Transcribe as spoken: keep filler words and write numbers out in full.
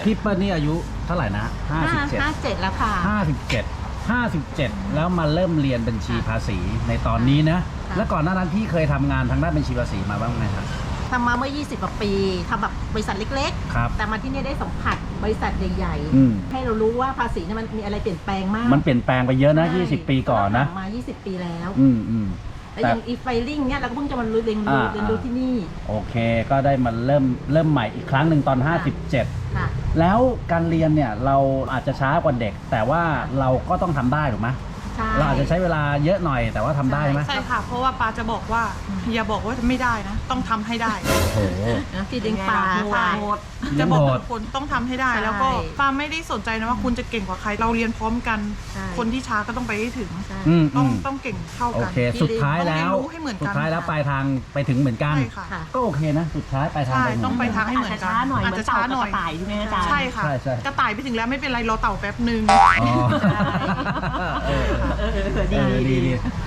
พี่เปิ้ลนี่อายุเท่าไหร่นะห้าสิบเจ็ดห้าเจ็ดแล้วค่ะห้าสิบเจ็ด ห้าสิบเจ็ดแล้วมาเริ่มเรียนบัญชีภาษีในตอนนี้นะแล้วก่อนหน้านั้นพี่เคยทำงานทางด้านบัญชีภาษีมาบ้างไหมครับทำมาเมื่อยี่สิบกว่าปีทำแบบบริษัทเล็กครับๆแต่มาที่นี่ได้สัมผัสบริษัทใหญ่อืมๆให้เรารู้ว่าภาษีเนี่ยมันมีอะไรเปลี่ยนแปลงมากมันเปลี่ยนแปลงไปเยอะนะยี่สิบปีก่อนนะมายี่สิบปีแล้วอืมอืมแล้วอย่างอีไฟลิ่งเนี่ยเราก็เพิ่งจะมาเรียนรู้อ่าเรียนรู้ที่นี่โอเคก็ได้มาเริ่มเริ่มใหม่อีกครั้งหนึ่งตอนห้าสิบเจ็ดค่ะแล้วการเรียนเนี่ยเราอาจจะช้ากว่าเด็ก แต่ว่าเราก็ต้องทำได้ถูกไหมใช่เราอาจจะใช้เวลาเยอะหน่อยแต่ว่าทำได้ไหมใช่ค่ะ เพราะว่าปาจะบอกว่าอย่าบอกว่าไม่ได้นะ ต้องทำให้ได้โอ้โหนะที่เลี้ยงปลาใช่โหดจะบอกโหดทุกคนต้องทำให้ได้ใช่แล้วก็ปาไม่ได้สนใจนะว่าคุณจะเก่งกว่าใคร เราเรียนพร้อมกันใช่คนที่ช้าก็ต้องไปให้ถึงใช่อืมต้อืองมต้องเก่งเท่าโอกันเค สุดท้ายแล้วต้องเรียนรู้ให้เหมือนกันสุดท้ายแล้วปลายทางไปถึงเหมือนกันใช่ค่ะค่ะก็โอเคนะสุดท้ายปลายทางใช่ไปเหมืต้อน งกัไปนทางให้เหมือนกันอาจจะช้าหน่อยอาจจะช้าหน่อยเหมือนเต่ากับกระต่ายใช่ไหมอาจารย์ใช่ค่ะใช่ใช่กระต่ายไปถึงแล้วไม่เป็นไรรอเต่าแป๊บหนึ่งอ๋อเออเออเออเอดีอดีดีดี